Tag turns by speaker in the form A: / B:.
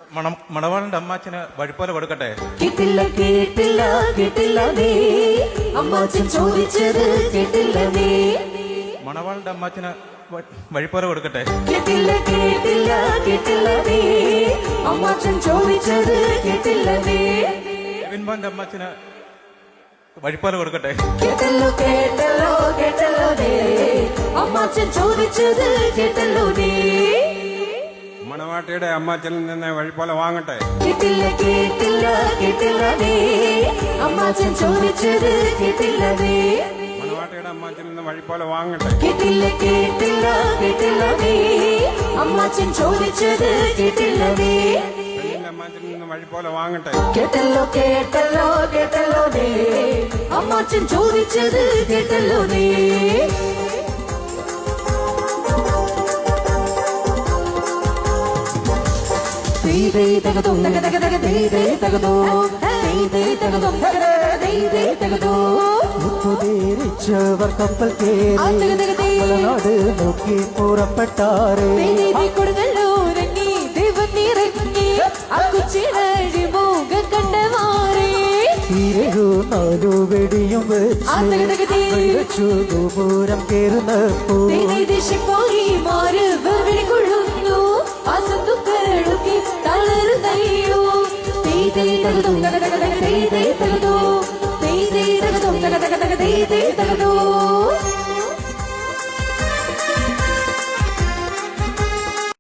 A: മണവാളന്റെ അമ്മാച്ചന് വഴിപോലെ കൊടുക്കട്ടെ.
B: കേട്ടില്ല കേട്ടില്ല കേട്ടില്ല നീ അമ്മാച്ചൻ ചോദിച്ചത് കേട്ടില്ല നീ.
A: മണവാളന്റെ അമ്മാച്ചന് വഴിപോലെ കൊടുക്കട്ടെ.
B: കേട്ടില്ല കേട്ടില്ല കേട്ടില്ല നീ അമ്മാച്ചൻ ചോദിച്ചത് കേട്ടില്ല നീ.
A: വിൻമോന്റെ അമ്മാച്ചന് വഴിപോലെ കൊടുക്കട്ടെ.
B: കേട്ടല്ലോ കേട്ടല്ലോ കേട്ടല്ലോ നീ അമ്മാച്ചൻ ചോദിച്ചത് കേട്ടല്ലോ നീ.
C: മണവാട്ടിയുടെ അമ്മാച്ചനിൽ നിന്ന് വഴിപോലെ വാങ്ങട്ടെ.
B: കേട്ടില്ല കേട്ടില്ല കേട്ടില്ല നീ അമ്മാച്ചൻ ചോദിച്ചത് കേട്ടില്ല നീ.
C: മണവാട്ടിയുടെ അമ്മാച്ചനിൽ നിന്ന് വഴിപോലെ വാങ്ങട്ടെ.
B: കേട്ടില്ല കേട്ടില്ല കേട്ടില്ല നീ അമ്മാച്ചൻ ചോദിച്ചത് കേട്ടില്ല നീ.
C: പെണ്ണിന്റെ അമ്മാച്ചനിൽ നിന്ന് വഴിപോലെ വാങ്ങട്ടെ.
B: കേട്ടല്ലോ കേട്ടല്ലോ കേട്ടല്ലോ നീ അമ്മാച്ചൻ ചോദിച്ചത് കേട്ടല്ലോ നീ.
D: മുപ്പുതീരിച്ചവർ കപ്പൽ കേറിനാട് നോക്കി പുറപ്പെട്ടാറ്. നാലു വെടിയും വെച്ചു ദൂരം കേറുന്നപ്പോ
B: തകതോ